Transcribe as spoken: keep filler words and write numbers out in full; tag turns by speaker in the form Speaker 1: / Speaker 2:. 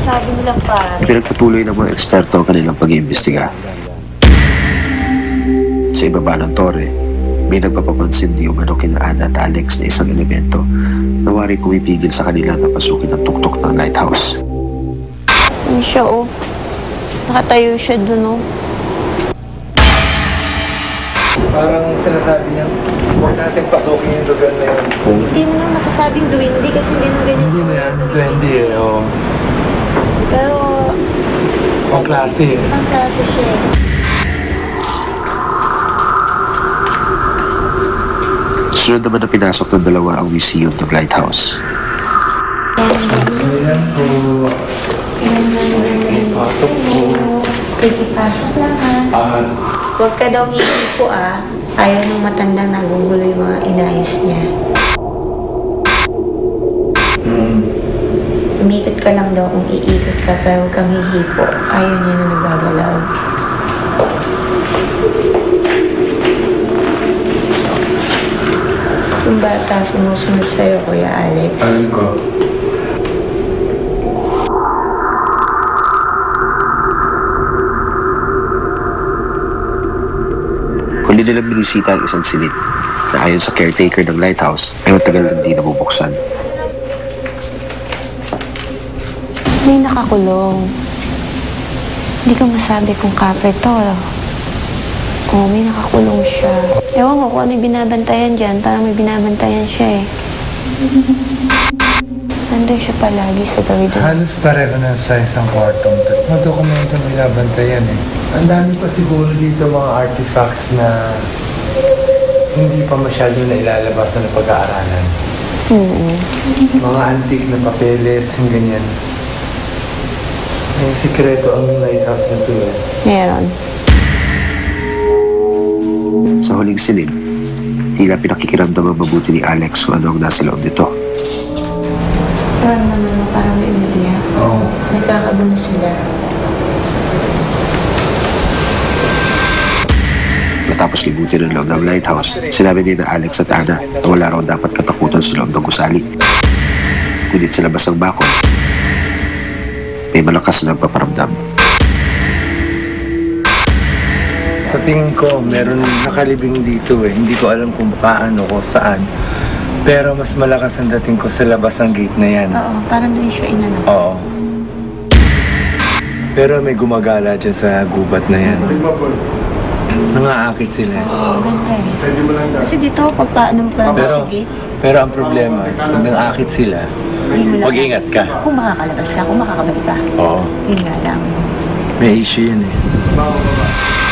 Speaker 1: sinasabi nilang pare.
Speaker 2: Pinagpatuloy ng mga eksperto ang kanilang pag-iimbestiga. Sa ibaba ng tore, may nagpapapansin di umano kina Ana at Alex na isang elemento na wari pumipigil sa kanila na pasukin ang tuktok ng lighthouse.
Speaker 1: Ano siya, oh? Nakatayo siya dun, oh.
Speaker 3: Parang sinasabi niya, huwag natin pasukin yung lugar na yun.
Speaker 1: Hindi mo naman masasabing duwindi kasi hindi naman ganyan.
Speaker 3: Hindi na yan, twenty eh, oo.
Speaker 1: Pero,
Speaker 3: Ang klase eh.
Speaker 1: ang klase siya, eh.
Speaker 2: Sunod naman na pinasok ng dalawa ang museum ng lighthouse.
Speaker 3: Ayan po. Pasok po.
Speaker 1: Pagkipasok lang, ha?
Speaker 3: Ah,
Speaker 1: Huwag ka daw hihipo, ah. Ayaw ng matanda nagugulo yung mga inayos niya.
Speaker 3: mm,
Speaker 1: Umikot ka lang daw kung iikot ka, pero huwag kang hihipo. Ayaw niya na nagagalaw. Yung bata sumusunod sa'yo, Kuya Alex.
Speaker 3: alam ko.
Speaker 2: Huli nilang binisita ang isang silid na ayon sa caretaker ng lighthouse ay matagal nang di nabubuksan.
Speaker 1: May nakakulong. Hindi ko masabi kung kapre to. Oo, may nakakulong siya. Ewan ko kung ano yung binabantayan dyan. Parang may binabantayan siya eh. Nandun siya palagi sa gawin doon.
Speaker 3: Halos pareho na sa isang kwartong to. Mga dokumento may nabantayan eh. Ang dami pa siguro dito mga artifacts na hindi pa masyado na ilalabas na pag-aaralan.
Speaker 1: Mm-hmm.
Speaker 3: Mga antique na papeles, yung ganyan. May sikreto ang lighthouse na to eh.
Speaker 1: Meron.
Speaker 2: Sa huling silid, tila pinakikiramdam ang mabuti ni Alex kung ano ang nasa loob nito.
Speaker 1: Parang naman mo, parang may umiiyak.
Speaker 3: Oo.
Speaker 1: Nagkakagulo sila.
Speaker 2: Matapos libutin ang loob ng lighthouse, sinabi ni na Alex at Ana na wala raw dapat katakutan sa loob ng gusali. Ngunit sa labas ng bakod, may malakas na nagpaparamdam.
Speaker 3: Sa tingin ko, meron nakalibing dito eh. Hindi ko alam kung paano o saan. Pero mas malakas ang dating ko sa labas ng gate na yan.
Speaker 1: Oo, parang doon siya inanap.
Speaker 3: Oo. Pero may gumagala dyan sa gubat na yan. Nangaakit sila.
Speaker 1: Oo, ganda eh. Kasi dito, pag paano mo pa
Speaker 3: Pero,
Speaker 1: sa gate,
Speaker 3: pero ang problema, pag nangaakit sila,
Speaker 1: hindi mo lang.
Speaker 3: mag-ingat ka.
Speaker 1: Kung makakalabas ka, kung makakabalik ka.
Speaker 3: Oo.
Speaker 1: Yun nga lang.
Speaker 3: May issue yun eh.